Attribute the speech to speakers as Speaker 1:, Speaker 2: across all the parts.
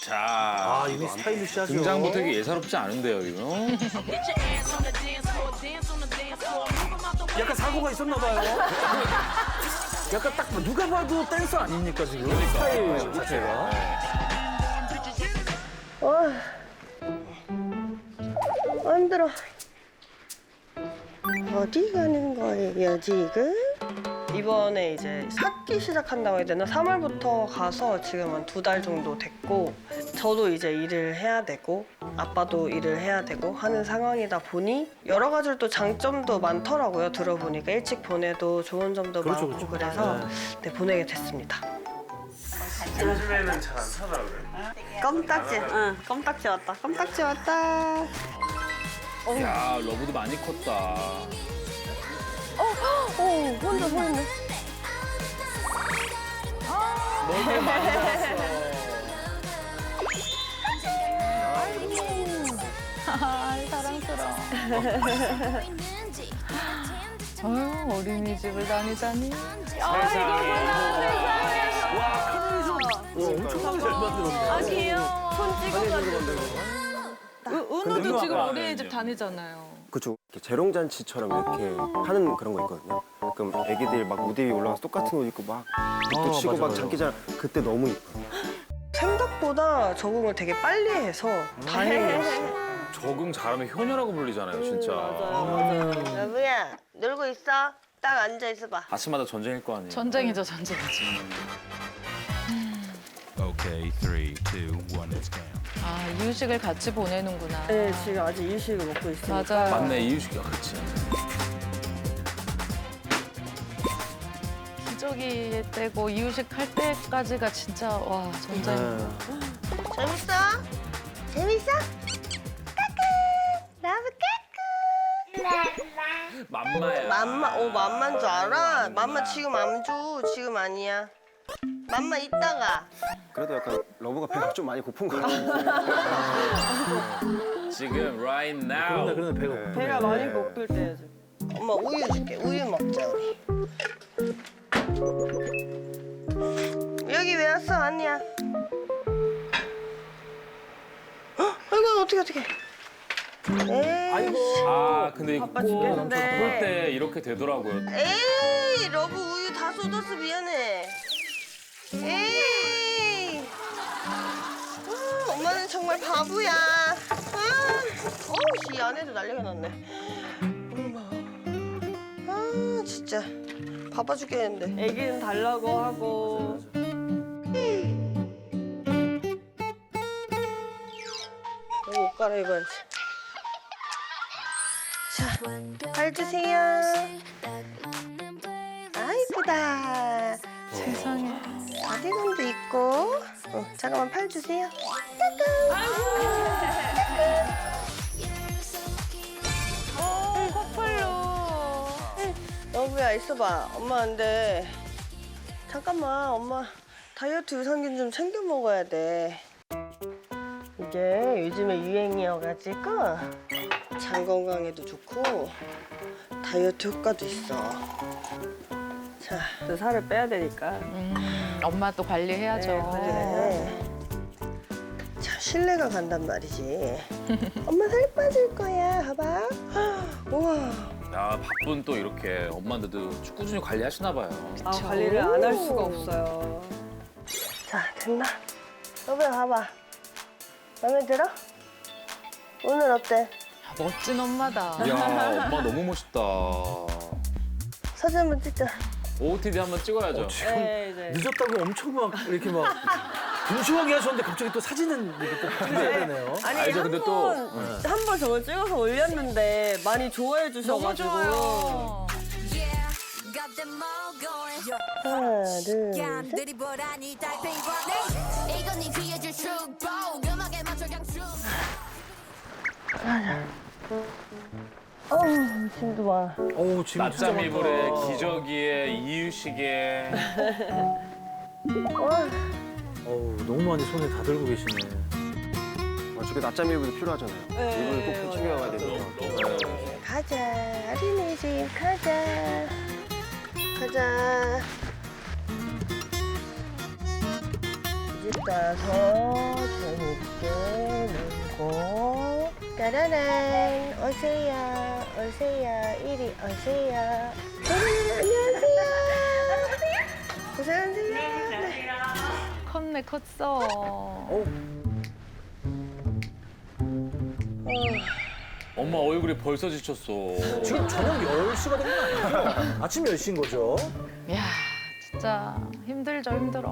Speaker 1: 자,
Speaker 2: 이미 스타일리시하죠.
Speaker 1: 등장부터 되게 예사롭지 않은데요, 이거.
Speaker 2: 약간 사고가 있었나 봐요. 약간 딱 누가 봐도 댄서 아닙니까 지금? 스타일 자체가.
Speaker 3: 힘들어. 어디 가는 거예요 지금? 이번에 이제 삭기 시작한다고 해야 되나? 3월부터 가서 지금 한 2달 정도 됐고 저도 이제 일을 해야 되고 아빠도 일을 해야 되고 하는 상황이다 보니 여러 가지로 또 장점도 많더라고요. 들어보니까 일찍 보내도 좋은 점도
Speaker 2: 그렇죠,
Speaker 3: 많고
Speaker 2: 그렇죠.
Speaker 3: 그래서 네, 보내게 됐습니다.
Speaker 4: 요즘에는 잘 안 타더라고요.
Speaker 3: 껌딱지, 응, 껌딱지 왔다. 껌딱지 왔다.
Speaker 1: 야, 러브도 많이 컸다.
Speaker 3: 혼자 서 있네.
Speaker 1: 너무 많이 자랐어.
Speaker 5: 사랑스러워. 아유, 어린이집을 다니다니.
Speaker 2: 엄청나게 잘 만들었네.
Speaker 5: 아, 귀여워. 손 찍어가지고. 은호도 지금
Speaker 1: 아니죠.
Speaker 5: 어린이집 다니잖아요.
Speaker 4: 그쵸. 이렇게 재롱잔치처럼 이렇게 하는 그런 거 있거든요. 그럼 애기들 막 무대 위에 올라가서 똑같은 옷 입고 막 또 치고
Speaker 2: 맞아,
Speaker 4: 막
Speaker 2: 맞아.
Speaker 4: 장기자랑 그때 너무 이뻐요.
Speaker 3: 생각보다 적응을 되게 빨리 해서 다행이었어요.
Speaker 1: 적응 잘하면 효녀라고 불리잖아요, 진짜.
Speaker 3: 여보야, 놀고 있어? 딱 앉아 있어봐.
Speaker 1: 아침마다 전쟁일 거 아니에요.
Speaker 5: 전쟁이죠, 전쟁이죠.
Speaker 6: Okay, 3, 2, 1, it's game.
Speaker 5: 아, 이유식을 같이 보내는구나.
Speaker 3: 네, 지금 아직 이유식을 먹고 있으니까.
Speaker 5: 맞아요.
Speaker 1: 맞네, 이유식이야, 그치.
Speaker 5: 기저귀 떼고 이유식 할 때까지가 진짜 와 전쟁.
Speaker 3: 재밌어? 재밌어? 까꿍! 나도 까꿍!
Speaker 1: 맘마야.
Speaker 3: 맘만 줄 알아? 맘마 지금 안 줘. 지금 아니야. 맘마 이따가.
Speaker 4: 그래도 약간 러브가 배가 좀 많이 고픈 것 같아요.
Speaker 1: 지금 right now.
Speaker 2: 그런데 배가 고프네.
Speaker 3: 배가 많이 고플 때야지. 엄마 우유 줄게. 우유 먹자 우리. 여기 왜 왔어? 아니야. 아이고 어떻게. 에이.
Speaker 2: 아이고.
Speaker 1: 아, 근데
Speaker 3: 바빠
Speaker 1: 그럴
Speaker 3: 죽겠는데.
Speaker 1: 때 이렇게 되더라고요.
Speaker 3: 에이 러브 우유 다 쏟았어 미안해. 에이. 엄마는 정말 바보야. 어우 씨 안에도 난리가 났네. 엄마. 아 진짜 바빠 죽겠는데. 애기는 달라고 하고. 옷 갈아입어야지. 자, 팔 주세요. 아 이쁘다.
Speaker 5: 세상에.
Speaker 3: 바디건도 있고. 잠깐만 팔 주세요.
Speaker 5: 커플로.
Speaker 3: 여보야 있어봐. 엄마 근데 잠깐만 엄마 다이어트 유산균 좀 챙겨 먹어야 돼. 이게 요즘에 유행이어가지고 장 건강에도 좋고 다이어트 효과도 있어. 자, 또 살을 빼야 되니까.
Speaker 5: 엄마 또 관리해야죠.
Speaker 3: 그래. 참 신뢰가 간단 말이지. 엄마 살 빠질 거야. 봐봐. 우와.
Speaker 1: 야, 바쁜 또 이렇게 엄마인데도 꾸준히 관리하시나 봐요.
Speaker 3: 관리를 안 할 수가 없어요. 자, 됐나? 여보야, 봐봐. 마음에 들어? 오늘 어때?
Speaker 5: 멋진 엄마다.
Speaker 1: 야, 엄마 너무 멋있다.
Speaker 3: 사진 한번 찍자.
Speaker 1: OOTD 한번 찍어야죠.
Speaker 2: 지금
Speaker 3: 네.
Speaker 2: 늦었다고 엄청 막 이렇게 막 분주하게 하셨는데 갑자기 또 사진은 이렇게 또 찍어야 되네요.
Speaker 3: 아니,
Speaker 1: 알죠, 근데 또.
Speaker 3: 한 번 저걸 찍어서 올렸는데 많이 좋아해
Speaker 5: 너무
Speaker 3: 주셔가지고.
Speaker 5: 좋아요.
Speaker 3: 하나, 둘, 셋. 짐도 많아.
Speaker 2: 오, 지금
Speaker 1: 낮잠
Speaker 2: 진짜
Speaker 1: 이불에
Speaker 2: 많다.
Speaker 1: 기저귀에 이유식에.
Speaker 2: 어우, 너무 많이 손에 다 들고 계시네.
Speaker 4: 저게 낮잠 일부도 필요하잖아요. 이불 꼭 챙겨가야 되니까.
Speaker 3: 가자, 어린이집 가자. 가자. 집 가서 짜라란 오세요 오세요 이리 오세요. 안녕하세요. 고생하세요.
Speaker 5: 컸네 컸어.
Speaker 1: 엄마 얼굴이 벌써 지쳤어.
Speaker 2: 지금 저녁 10시가 된 건 아니죠? 아침 10시인 거죠?
Speaker 5: 야 진짜 힘들죠 힘들어.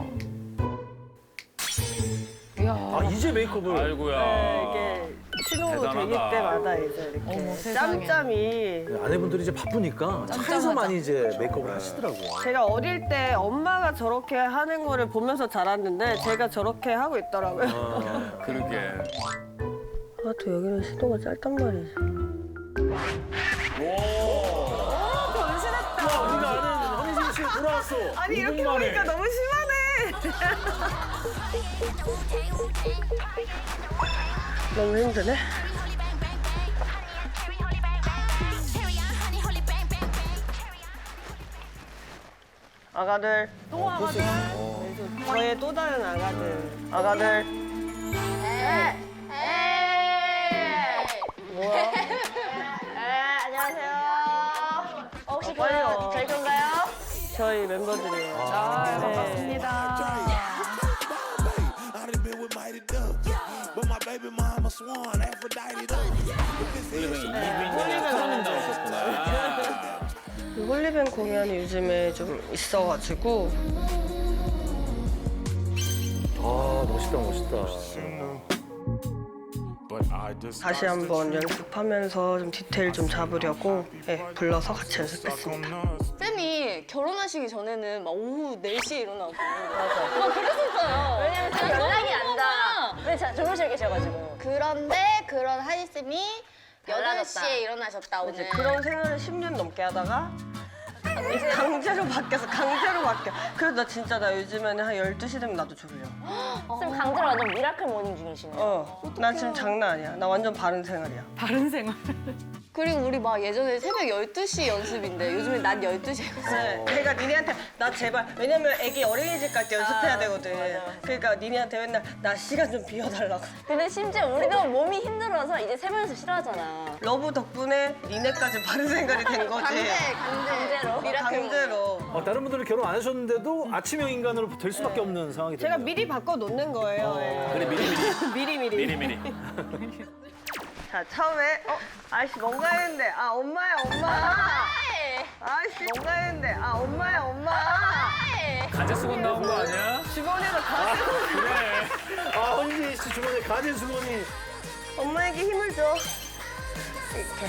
Speaker 5: 이야.
Speaker 2: 아, 이제 메이크업을.
Speaker 1: 아이고야.
Speaker 3: 네, 이게 신혼부 되기
Speaker 1: 대단하다.
Speaker 3: 때마다 이제 이렇게
Speaker 5: 어머, 세상에.
Speaker 3: 짬짬이.
Speaker 2: 네, 아내분들이 이제 바쁘니까 차에서
Speaker 5: 짬짬하죠.
Speaker 2: 많이 이제 메이크업을 하시더라고요.
Speaker 3: 제가 어릴 때 엄마가 저렇게 하는 거를 보면서 자랐는데 제가 저렇게 하고 있더라고요.
Speaker 1: 그러게.
Speaker 3: 아, 또 여기는 시도가 짧단 말이지.
Speaker 2: 와, 우리가 아는 허니진 씨 돌아왔어.
Speaker 3: 아니, 이렇게
Speaker 1: 만에.
Speaker 3: 보니까 너무 심하네. 너무 힘드네. 아가들.
Speaker 5: 또 아가들.
Speaker 3: 저의 또 다른 아가들. 아가들. 뭐야?
Speaker 7: 안녕하세요. 혹시
Speaker 3: 빨리요.
Speaker 7: 저희 건가요?
Speaker 3: 저희 멤버들이에요.
Speaker 5: 아, 반갑습니다.
Speaker 8: I done been with mighty ducks, but my baby mama swan Aphrodite duck.
Speaker 1: 홀리뱅이 이빈이 사장님 나오셨구나.
Speaker 3: 홀리뱅 공연이 요즘에 좀 있어가지고
Speaker 2: 아, 멋있다, 멋있다.
Speaker 8: But I just
Speaker 3: 다시 한번 연습하면서 좀 디테일 좀 잡으려고 불러서 같이 연습했습니다.
Speaker 7: 쌤이 결혼하시기 전에는 막 오후 4시에 일어나고 막 그랬었어요. 왜냐면 쌤 연락이 안 닿아. 왜 주무실 계셔가지고. 그런데 그런 하이 쌤이 8시에 일어나셨다
Speaker 3: 이제
Speaker 7: 오늘.
Speaker 3: 그런 생활을 10년 넘게 하다가 강제로 바뀌어서 강제로 바뀌어. 그래서 나 진짜 나 요즘에는 한 12시 되면 나도 졸려.
Speaker 7: 쌤 강제로 완전 미라클 모닝 중이시네요.
Speaker 3: 나 지금 장난 아니야. 나 완전 바른 생활이야.
Speaker 5: 바른 생활.
Speaker 7: 그리고 우리 막 예전에 새벽 12시 연습인데 요즘에 낮 12시에 연습.
Speaker 3: 내가 니네한테 나 제발 왜냐면 애기 어린이집 갈 때 연습해야 되거든.
Speaker 7: 맞아.
Speaker 3: 그러니까 니네한테 맨날 나 시간 좀 비워달라고.
Speaker 7: 근데 심지어 우리도 몸이 힘들어서 이제 새벽 연습 싫어하잖아.
Speaker 3: 러브 덕분에 니네까지 바른 생활이 된 거지.
Speaker 7: 강제로. 미라클
Speaker 3: 강제로.
Speaker 2: 다른 분들은 결혼 안 하셨는데도 아침형 인간으로 될 수밖에 없는 상황이
Speaker 3: 제가
Speaker 2: 됐네요.
Speaker 3: 미리 바꿔 놓는 거예요. 예.
Speaker 1: 그래
Speaker 3: 미리.
Speaker 1: 미리.
Speaker 3: 자 처음에 아이씨 뭔가 했는데 엄마야 엄마. 아이씨 뭔가 했는데 엄마야 엄마.
Speaker 1: 가재 수건 나온 거 아니야?
Speaker 3: 주머니에서 가지.
Speaker 1: 그래.
Speaker 2: 아, 허니진 씨 주머니에 가진 주머니.
Speaker 3: 엄마에게 힘을 줘. 이렇게.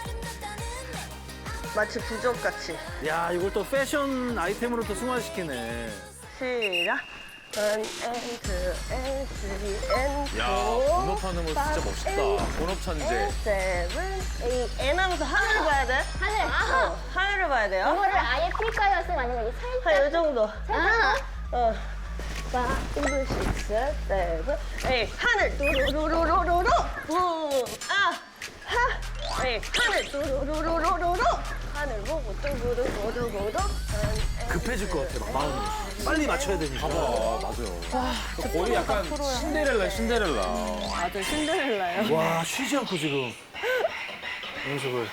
Speaker 3: 마치 부적같이.
Speaker 2: 야, 이걸 또 패션 아이템으로 또 승화시키네.
Speaker 3: 시작. 1 and 2 and 3 and 4.
Speaker 1: 야, 본업하는 거 진짜 멋있다. 본업 천재.
Speaker 3: 7, 8. N 하면서 하늘을 봐야 돼.
Speaker 7: 하늘.
Speaker 3: 하늘을 봐야 돼요.
Speaker 7: 이거를 아예 필까요? 쌤 아니면 이게 살짝?
Speaker 3: 한 요 정도.
Speaker 7: 살짝?
Speaker 3: 5, 6, 7, 8. 하늘 뚜루루루루루루. 하늘 뚜루루루루루루. 하늘 보고 뚜루루루루루.
Speaker 2: 급해질 것 같아, 막 마음이. 빨리 맞춰야 되니까.
Speaker 1: 맞아요. 거의 약간 신데렐라.
Speaker 3: 아주 신데렐라요.
Speaker 2: 와, 쉬지 않고 지금 연습을.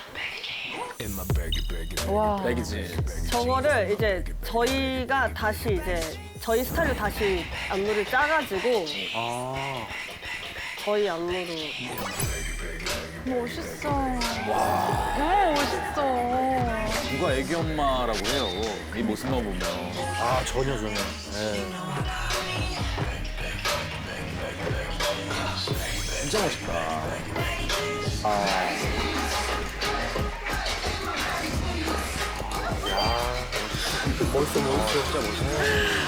Speaker 5: 와.
Speaker 1: 백이지.
Speaker 3: 저거를 이제 저희가 다시 이제 저희 스타일로 다시 안무를 짜가지고
Speaker 2: 아,
Speaker 3: 저희 안무로.
Speaker 5: 멋있어. 너무 멋있어.
Speaker 1: 누가 애기 엄마라고 해요. 이 모습만 보면.
Speaker 2: 아, 전혀. 네.
Speaker 1: 진짜 멋있다.
Speaker 2: 멋있어. 진짜 멋있어.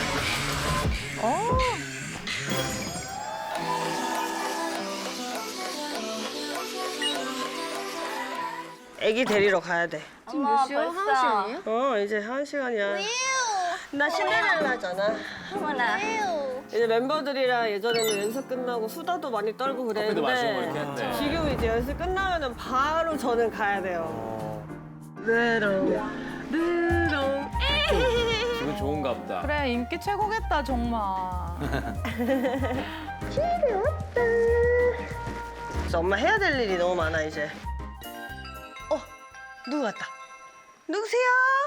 Speaker 3: 애기 데리러 가야 돼.
Speaker 7: 지금 몇 시야? 1시간이에요?
Speaker 3: 이제 1시간이야. 나 신데렐라잖아.
Speaker 7: 어머나.
Speaker 3: 이제 멤버들이랑 예전에는 연습 끝나고 수다도 많이 떨고
Speaker 1: 커피도 마시고 이렇게
Speaker 3: 그랬는데
Speaker 1: 했네.
Speaker 3: 지금 이제 연습 끝나면은 바로 저는 가야 돼요. 느롱
Speaker 1: 기분 좋은가 보다.
Speaker 5: 그래 인기 최고겠다 정말.
Speaker 3: 진짜 엄마 해야 될 일이 너무 많아 이제. 누구 왔다. 누구세요?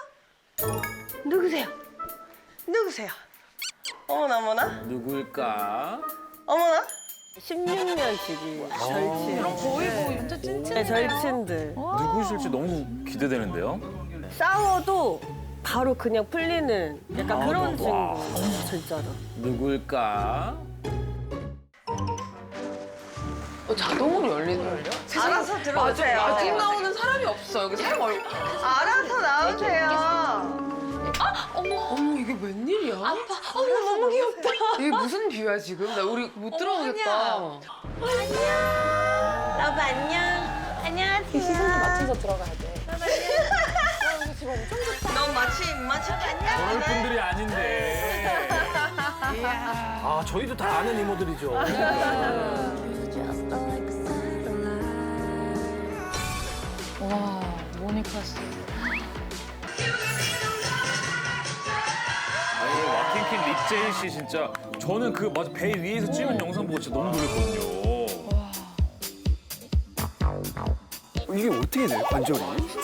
Speaker 3: 누구세요? 누구세요? 어머나 어머나
Speaker 1: 누구일까?
Speaker 3: 어머나. 16년치기 절친.
Speaker 5: 거의 뭐 완전 찐찐.
Speaker 3: 네, 절친들.
Speaker 1: 누구실지 너무 기대되는데요?
Speaker 3: 싸워도 바로 그냥 풀리는 약간 그런 친구. 진짜로.
Speaker 1: 누구일까?
Speaker 9: 자동으로 열리더라고요.
Speaker 3: 알아서 들어오세요.
Speaker 9: 아직 나오는 사람이 없어. 여기 사람 얼굴.
Speaker 3: 알아서 나오세요.
Speaker 9: 어머 이게 웬일이야? 아빠. 어머 너무 귀엽다. 이게 무슨 뷰야 지금? 나 우리 못 들어오겠다.
Speaker 3: 러브 안녕. 안녕하세요.
Speaker 9: 시선을 맞춰서 들어가야 돼.
Speaker 3: 넌 마치 입맛이
Speaker 1: 저럴
Speaker 3: 괜찮네.
Speaker 1: 분들이 아닌데.
Speaker 2: 아 저희도 다 아는 이모들이죠.
Speaker 5: 와, 모니카 씨.
Speaker 1: 아니, 와킹킨 립제이 씨 진짜 저는 그 맞아 배 위에서 찍은 영상 보고 진짜 너무 놀랐거든요.
Speaker 4: 이게 어떻게 돼? 관절이?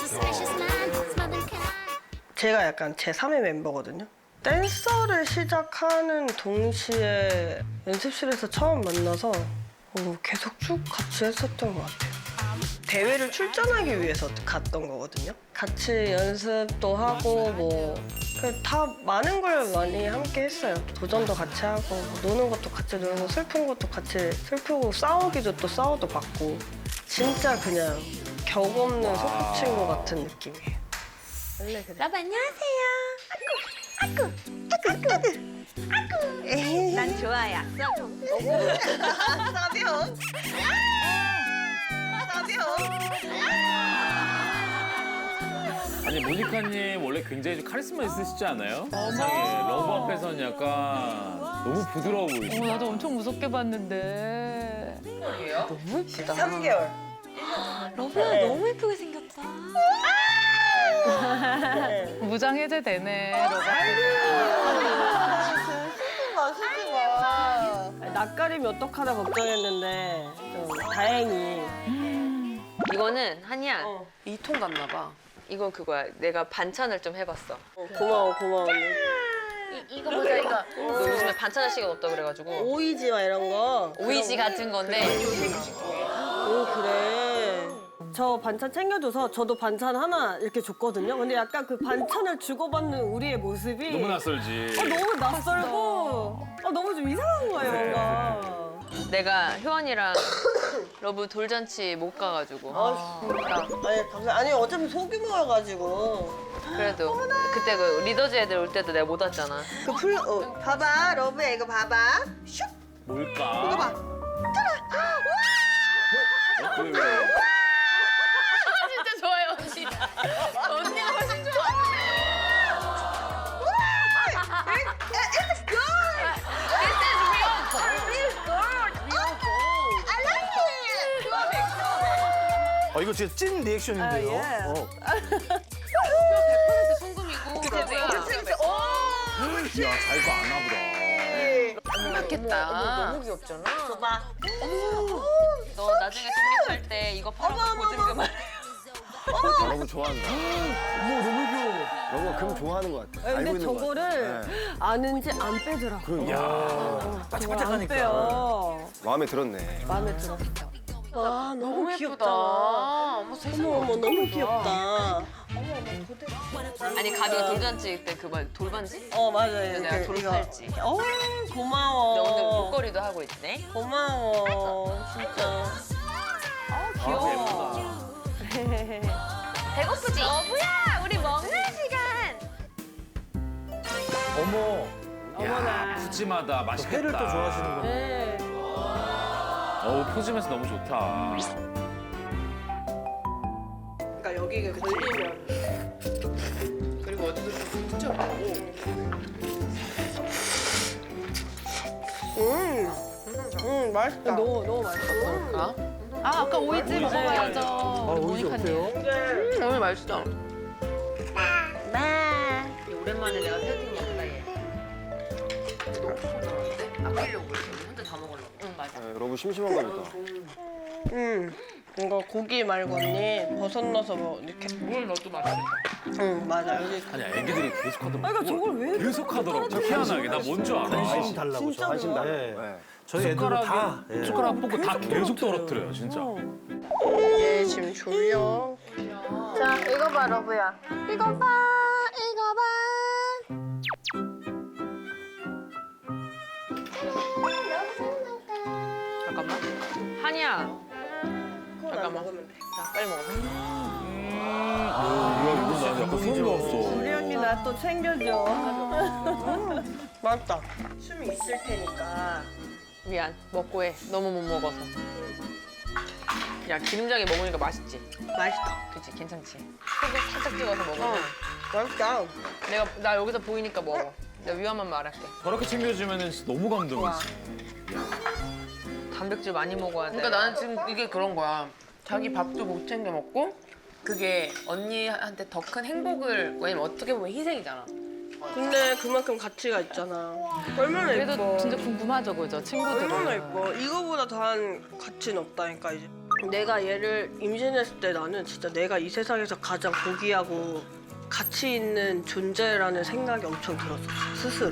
Speaker 3: 제가 약간 제 3의 멤버거든요. 댄서를 시작하는 동시에 연습실에서 처음 만나서 계속 쭉 같이 했었던 것 같아요. 대회를 출전하기 위해서 갔던 거거든요. 같이 연습도 하고 다 많은 걸 많이 함께 했어요. 도전도 같이 하고 노는 것도 같이 놀고 슬픈 것도 같이 슬프고 싸우기도 또 싸워도 받고 진짜 그냥 격 없는 소꿉친구 같은 느낌이에요. 원래 그래.
Speaker 7: 러브 안녕하세요. 난 좋아요.
Speaker 3: 사비온.
Speaker 1: 아니 모니카님 원래 굉장히 좀 카리스마 있으시지 않아요? 세상에 러브 앞에서는 약간 너무 부드러워 보이시죠?
Speaker 5: 나도 엄청 무섭게 봤는데.
Speaker 9: 너무 예쁘다.
Speaker 3: 3개월.
Speaker 7: 러브야 너무 예쁘게 생겼다.
Speaker 5: 무장 해제되네.
Speaker 3: 낯가림이 어떡하나 걱정했는데 좀 다행히.
Speaker 10: 이거는 한이야
Speaker 3: 어.
Speaker 10: 2통 갔나 봐. 이거 그거야. 내가 반찬을 좀 해봤어.
Speaker 3: 고마워 언니.
Speaker 10: 이거 보자 이거. 너 요즘에 반찬할 시간 없다 그래가지고
Speaker 3: 오이지와 이런 거.
Speaker 10: 오이지 같은 건데
Speaker 3: 오 그래. 저 반찬 챙겨줘서 저도 반찬 하나 이렇게 줬거든요. 근데 약간 그 반찬을 주고받는 우리의 모습이
Speaker 1: 너무 낯설지.
Speaker 3: 너무 낯설고 너무 좀 이상한 거예요 뭔가.
Speaker 10: 내가 효원이랑 러브 돌잔치 못 가가지고
Speaker 3: 아니 어차피 소규모여가지고.
Speaker 10: 그래도 그때 그 리더즈 애들 올 때도 내가 못 왔잖아.
Speaker 3: 봐봐 러브야 이거 봐봐. 슉.
Speaker 1: 뭘까?
Speaker 3: 이거 봐.
Speaker 1: 왜?
Speaker 10: 진짜 좋아요 언니. 언니가 훨씬 좋아.
Speaker 2: 이거 진짜 찐 리액션인데요.
Speaker 10: 100% 송금이고 러브야.
Speaker 1: 야 잘도 안 하보다.
Speaker 10: 좋겠다.
Speaker 9: 너무 귀엽잖아.
Speaker 3: 봐봐.
Speaker 10: 너 나중에 독립할 때 이거 팔아서 보증금 할.
Speaker 4: 러브 좋아한다.
Speaker 2: 어머 너무 귀여워.
Speaker 4: 러브가 금 좋아하는 것 같아. 알고
Speaker 3: 근데
Speaker 4: 있는 것 같아.
Speaker 3: 저거를
Speaker 4: 네.
Speaker 3: 아는지 안 빼더라고.
Speaker 2: 야 반짝반짝하니까.
Speaker 3: 빼요.
Speaker 4: 마음에 들었네.
Speaker 3: 마음에 들었어. 와 너무 귀엽다.
Speaker 9: 어머 세상에.
Speaker 3: 어머 너무 귀엽다.
Speaker 10: 아니 가비가 돌잔치 때 그 말 돌반지?
Speaker 3: 맞아요.
Speaker 10: 내가 돌팔찌.
Speaker 3: 고마워.
Speaker 10: 너 오늘 목걸이도 하고 있네.
Speaker 3: 고마워 진짜.
Speaker 1: 귀여워.
Speaker 7: 배고프지? 러브야 우리 먹는 시간.
Speaker 2: 어머.
Speaker 1: 야 푸짐하다. 맛있겠다.
Speaker 2: 회를 또 좋아하시는구나.
Speaker 3: 네.
Speaker 1: 푸짐해서 너무 좋다.
Speaker 9: 그러니까 여기가 걸리면 그리고 어디서 좀 붙여보고.
Speaker 3: 맛있다. 너무 맛있어.
Speaker 9: 그럴까?
Speaker 5: 아까 오이지 먹어야죠.
Speaker 2: 오이지 어때요?
Speaker 9: 너무 맛있어.
Speaker 10: 오랜만에 내가 새우튀김 먹다 얘. 아끼려고 그랬어. 혼자 다 먹으려고. 응 맞아.
Speaker 4: 러브 심심한가 보다.
Speaker 3: 이거 고기 말고 언니 버섯 넣어서 뭐 이렇게.
Speaker 9: 뭘 넣어도 맛있겠다.
Speaker 3: 응 맞아 여기.
Speaker 1: 아니 애기들이 계속 하더라고.
Speaker 3: 그러니까 저걸 왜
Speaker 1: 계속 하더라고. 희한하게 나 뭔 줄 알아.
Speaker 2: 관심 달라고.
Speaker 3: 진짜
Speaker 4: 관심
Speaker 3: 좋아.
Speaker 4: 달라.
Speaker 2: 네.
Speaker 4: 네.
Speaker 2: 저희 애들은 다. 예.
Speaker 1: 숟가락 뽑고 다 계속 떨어뜨려요 진짜.
Speaker 3: 얘 지금 졸려. 자 이거 봐 러브야. 이거 봐. 이거 봐.
Speaker 9: 잠깐만. 한이야. 잠깐만.
Speaker 3: 먹으면 돼.
Speaker 9: 자, 빨리 먹어.
Speaker 1: 뭐야 이거 나 약간 소름 돋았어.
Speaker 3: 우리 언니 나 또 챙겨줘. 맞다. 춤이 있을 테니까.
Speaker 9: 미안. 먹고 해. 너무 못 먹어서. 야, 기름장에 먹으니까 맛있지?
Speaker 3: 맛있다.
Speaker 9: 그치? 괜찮지? 소금 살짝 찍어서 먹으면.
Speaker 3: 맛있다.
Speaker 9: 나 여기서 보이니까 먹어. 내가 위험한 말 할게.
Speaker 1: 저렇게 챙겨주면은 진짜 너무 감동이지.
Speaker 9: 단백질 많이 먹어야 돼. 그러니까 나는 지금 이게 그런 거야. 자기 밥도 못 챙겨 먹고 그게 언니한테 더 큰 행복을 왜냐면 어떻게 보면 희생이잖아.
Speaker 3: 근데 그만큼 가치가 있잖아. 얼마나
Speaker 5: 그래도
Speaker 3: 예뻐.
Speaker 5: 진짜 궁금하죠, 그죠? 친구들은.
Speaker 3: 얼마나 예뻐. 이거보다 더한 가치는 없다니까 이제. 내가 얘를 임신했을 때 나는 진짜 내가 이 세상에서 가장 고귀하고 가치 있는 존재라는 생각이 엄청 들었어. 스스로.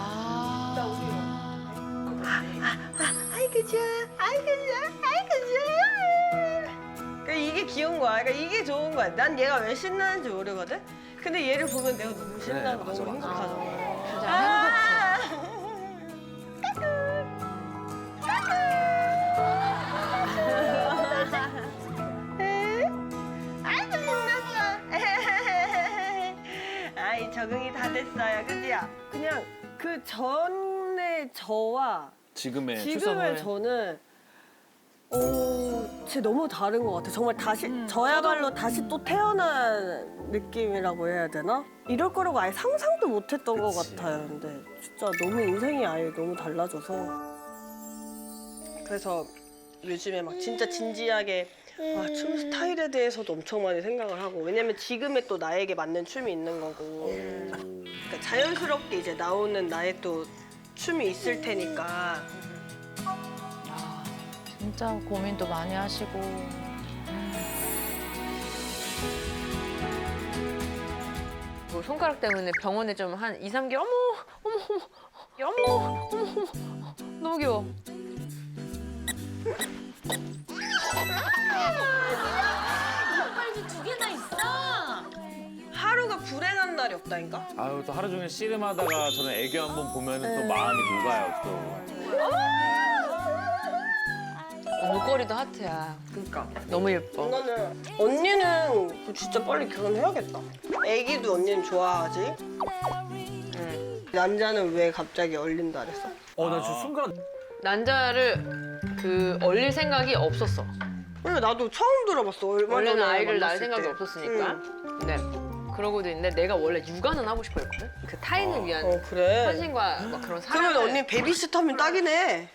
Speaker 3: 아이고 좋아. 아이고 좋아. 아이고 좋아. 그러니까 이게 귀여운 거야. 그러니까 이게 좋은 거야. 난 얘가 왜 신나는지 모르거든. 근데 얘를 보면 내가 너무 신나고 너무 행복하잖아. 아이고 신났어. 아이 적응이 다 됐어요, 그지요? 그냥 그 전의 저와
Speaker 1: 지금의
Speaker 3: 지금의 저는 진짜 너무 다른 것 같아. 정말 다시 저야말로 다시 또 태어난 느낌이라고 해야 되나? 이럴 거라고 아예 상상도 못했던 것 같아요. 근데 진짜 너무 인생이 아예 너무 달라져서 그래서 요즘에 막 진짜 진지하게 춤 스타일에 대해서도 엄청 많이 생각을 하고 왜냐면 지금의 또 나에게 맞는 춤이 있는 거고 그러니까 자연스럽게 이제 나오는 나의 또 춤이 있을 테니까
Speaker 5: 진짜 고민도 많이 하시고.
Speaker 9: 뭐 손가락 때문에 병원에 좀 한 2, 3개월 어머 너무 귀여워.
Speaker 3: 하루가 불행한 날이 없다니까.
Speaker 1: 아유 또 하루 종일 씨름하다가 저는 애교 한번 보면은 또 마음이 녹아요 또.
Speaker 9: 목걸이도 하트야.
Speaker 3: 그러니까
Speaker 9: 너무 예뻐.
Speaker 3: 이거는 언니는 진짜 빨리 결혼해야겠다. 애기도 언니는 좋아하지. 남자는 왜 갑자기 얼린다 그랬어?
Speaker 2: 나 지금 순간
Speaker 9: 난자를 얼릴 생각이 없었어.
Speaker 3: 근데 나도 처음 들어봤어. 얼마
Speaker 9: 원래는
Speaker 3: 전에
Speaker 9: 아이를 낳을
Speaker 3: 만났을
Speaker 9: 생각이
Speaker 3: 때.
Speaker 9: 없었으니까. 네. 그러고도 있는데 내가 원래 육아는 하고 싶어 했거든. 그 타인을 위한
Speaker 3: 그래.
Speaker 9: 헌신과 막 그런 사랑을.
Speaker 3: 그러면 언니 베이비시터면 딱이네.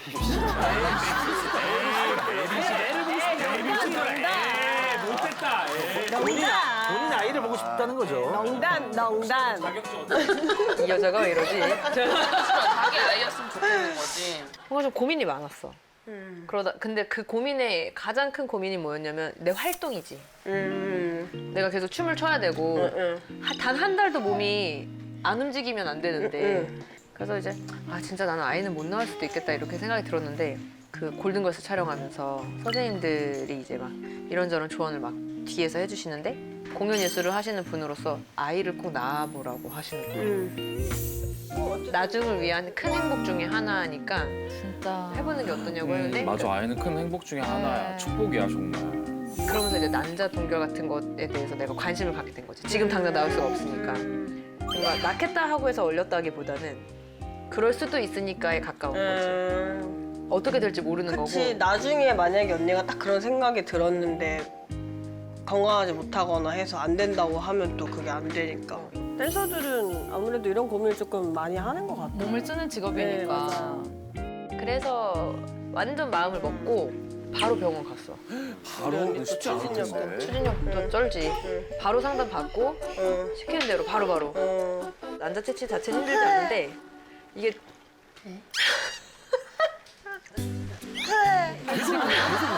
Speaker 1: 못했다.
Speaker 2: 본인 아이를 보고 싶다는 거죠.
Speaker 3: 농담.
Speaker 9: 이 여자가 왜 이러지? 자기 아이였으면 좋겠는 거지. 뭔가 좀 고민이 많았어. 그러다 근데 그 고민의 가장 큰 고민이 뭐였냐면 내 활동이지. 내가 계속 춤을 춰야 되고 단 한 달도 몸이 안 움직이면 안 되는데 그래서 이제 진짜 나는 아이는 못 낳을 수도 있겠다 이렇게 생각이 들었는데 그 골든걸스 촬영하면서 선생님들이 이제 막 이런저런 조언을 막 뒤에서 해주시는데 공연 예술을 하시는 분으로서 아이를 꼭 낳아보라고 하시는 거예요. 나중을 위한 큰 행복 중에 하나니까
Speaker 5: 진짜.
Speaker 9: 해보는 게 어떠냐고 했는데
Speaker 1: 맞아 아이는 큰 행복 중에 하나야. 축복이야 정말.
Speaker 9: 그러면서 이제 난자 동결 같은 것에 대해서 내가 관심을 갖게 된 거지. 지금 당장 나올 수가 없으니까. 뭔가 낳겠다 하고 해서 얼렸다기보다는 그럴 수도 있으니까에 가까운 거지. 어떻게 될지 모르는
Speaker 3: 그치.
Speaker 9: 거고.
Speaker 3: 나중에 만약에 언니가 딱 그런 생각이 들었는데 건강하지 못하거나 해서 안 된다고 하면 또 그게 안 되니까. 댄서들은 아무래도 이런 고민을 조금 많이 하는 것 같아.
Speaker 5: 몸을 쓰는 직업이니까.
Speaker 3: 네, 맞아요.
Speaker 9: 그래서 완전 마음을 먹고 바로 병원 갔어.
Speaker 1: 바로 쉽지 않을 텐데.
Speaker 9: 추진력부터 쩔지. 바로 상담 받고 시키는 대로 바로바로.
Speaker 3: 어.
Speaker 9: 난자 채취 자체는 힘들지 않은데 이게
Speaker 2: 계속 웃어.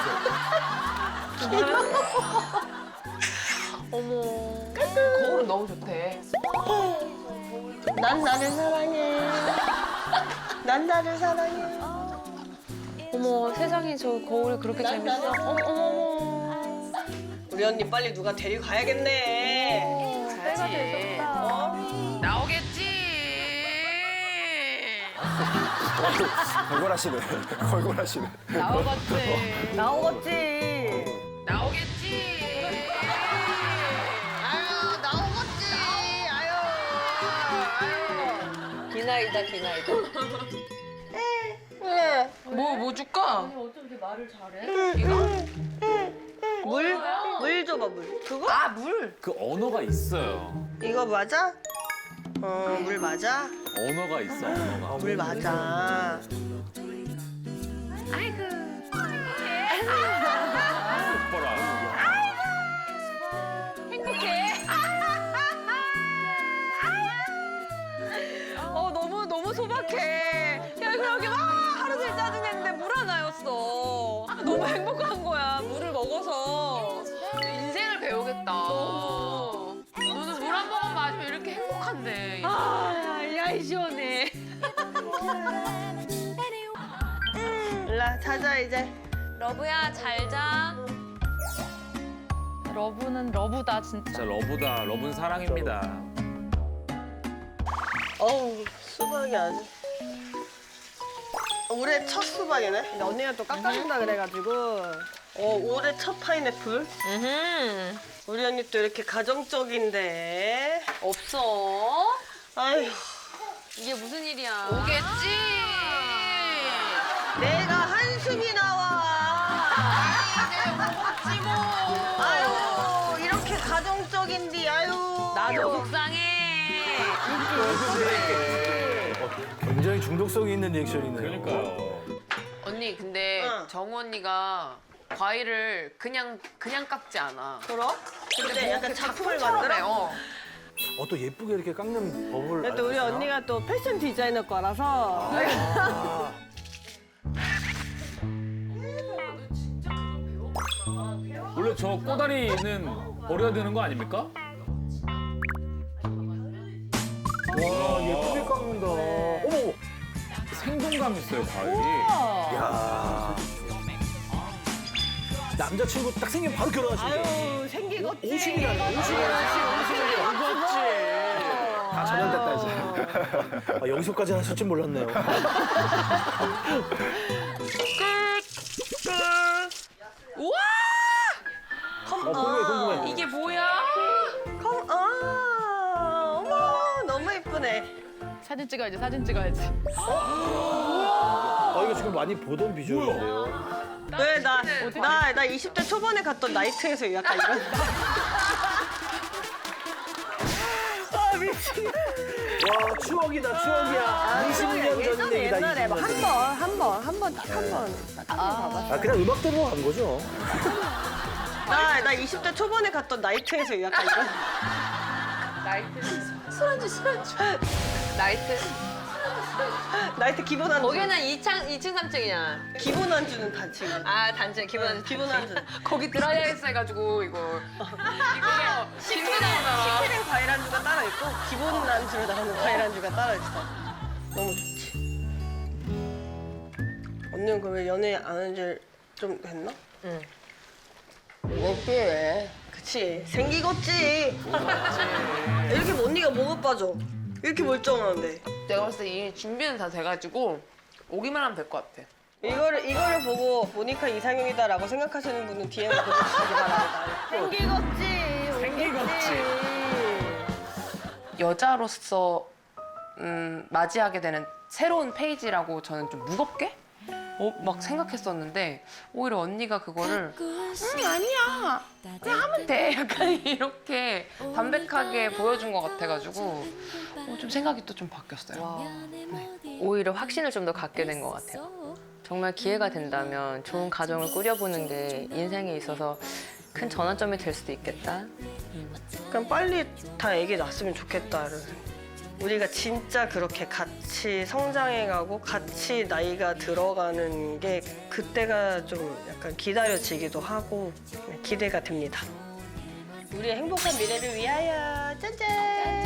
Speaker 9: 거울은 너무 좋대.
Speaker 3: 난 나를 사랑해. 난 나를 사랑해.
Speaker 9: 어머 세상에 저 거울이 그렇게 재밌어.
Speaker 3: 어머. 우리 언니 빨리 누가 데리고 가야겠네.
Speaker 9: 가야지. 나오겠지.
Speaker 4: 걸걸하시네. 걸걸하시네.
Speaker 9: 나오겠지.
Speaker 3: 나오겠지.
Speaker 9: 나오겠지.
Speaker 3: 아유, 나오겠지. 아유.
Speaker 9: 기나이다 기나이다.
Speaker 3: 네.
Speaker 10: 뭐 줄까?
Speaker 3: 물 줘봐, 물. 그거?
Speaker 10: 아 물.
Speaker 1: 그 언어가 있어요.
Speaker 3: 이거 맞아? 물 맞아?
Speaker 1: 언어가 있어, 언어가.
Speaker 3: 물 맞아.
Speaker 1: 오빠라.
Speaker 9: 너무 소박해. 야 그렇게 막 하루 종일 짜증냈는데 물 하나였어. 너무 행복한 거야. 물을 먹어서. 인생을 배우겠다. 너는 물 한 모금 마시면 이렇게 행복한데. 야 시원해.
Speaker 3: 일라 자자 이제.
Speaker 7: 러브야 잘 자.
Speaker 5: 러브는 러브다 진짜.
Speaker 1: 진짜 러브다. 러브는 사랑입니다.
Speaker 3: 어우 수박이 아주. 올해 첫 수박이네. 근데 언니가 또 깎아준다 그래가지고. 올해 첫 파인애플. 우리 언니 또 이렇게 가정적인데.
Speaker 9: 없어.
Speaker 3: 아휴.
Speaker 9: 이게 무슨 일이야.
Speaker 10: 오겠지.
Speaker 3: 내가 한숨이 나와.
Speaker 10: 오겠지 뭐.
Speaker 3: 아유 이렇게 가정적인데 아유.
Speaker 9: 나도 속상해.
Speaker 2: 굉장히 중독성이 있는 리액션이네요.
Speaker 1: 그러니까요.
Speaker 10: 언니 근데
Speaker 3: 응.
Speaker 10: 정우 언니가 과일을 그냥 깎지 않아.
Speaker 3: 그럼? 근데 약간 작품을 만들어?
Speaker 2: 또 예쁘게 이렇게 깎는 법을.
Speaker 3: 근데 우리
Speaker 2: 알았어요?
Speaker 3: 언니가 또 패션 디자이너 거라서.
Speaker 1: 원래 저 꼬다리는 버려야 되는 거 아닙니까?
Speaker 2: 와, 예쁘게 깎는다. 어머!
Speaker 1: 생동감 있어요, 과일이.
Speaker 2: 야 남자친구 딱 생기면 바로 결혼하시네.
Speaker 3: 아유 생기겠지.
Speaker 2: 50이라네. 50이라네.
Speaker 4: 다 전염됐다 이제.
Speaker 2: 아, 여기서까지 하실 줄 몰랐네요.
Speaker 10: 우와!
Speaker 2: 궁금해.
Speaker 10: 이게 뭐야?
Speaker 3: 어머 너무 예쁘네.
Speaker 5: 사진 찍어야지 사진 찍어야지.
Speaker 2: 이거 지금 많이 보던 비주얼인데요.
Speaker 3: 왜 나 20대 초반에 갔던 나이트에서 약간 이런. 아 미친.
Speaker 2: 와, 추억이다, 추억이야. 20년 전 얘기다,
Speaker 3: 옛날에
Speaker 2: 20년 전.
Speaker 3: 한 번 딱 한 번 봐봐.
Speaker 2: 그냥 음악 들으러 간 거죠?
Speaker 3: 나 20대 초반에 갔던 나이트에서 약간 이런.
Speaker 9: 술안주.
Speaker 3: 나이트 기본 안주.
Speaker 9: 거기는 2층 3층이냐.
Speaker 3: 기본 안주는 단층.
Speaker 9: 단층 기본 안주.
Speaker 3: 기본 안주.
Speaker 10: 거기 드라이아이스 해가지고 이거 신비 나오잖아.
Speaker 3: 시크릿 과일 안주가 따로 있고 기본 안주로 나오는 과일 안주가 따로 있어. 너무 좋지. 언니는 그러면 연애 안 한 지 좀 됐나?
Speaker 9: 응.
Speaker 3: 어때? 그치. 생기겠지. 이렇게 언니가 뭐가 빠져? 이렇게 멀쩡한데.
Speaker 10: 내가 봤을 때 이미 준비는 다 돼가지고 오기만 하면 될 것 같아.
Speaker 3: 이거를 보고 모니카 이상형이다라고 생각하시는 분은 DM을 보내주시기 바랍니다. 생기겠지.
Speaker 10: 여자로서 맞이하게 되는 새로운 페이지라고 저는 좀 무겁게 막 생각했었는데 오히려 언니가 그거를 아니야 그냥 하면 돼 약간 이렇게 담백하게 보여준 것 같아가지고 좀 생각이 또 좀 바뀌었어요.
Speaker 9: 오히려 확신을 좀 더 갖게 된 것 같아요. 정말 기회가 된다면 좋은 가정을 꾸려보는 게 인생에 있어서 큰 전환점이 될 수도 있겠다.
Speaker 3: 그냥 빨리 다 애기 낳았으면 좋겠다를 우리가 진짜 그렇게 같이 성장해가고 같이 나이가 들어가는 게 그때가 좀 약간 기다려지기도 하고 기대가 됩니다. 우리의 행복한 미래를 위하여 짠짠!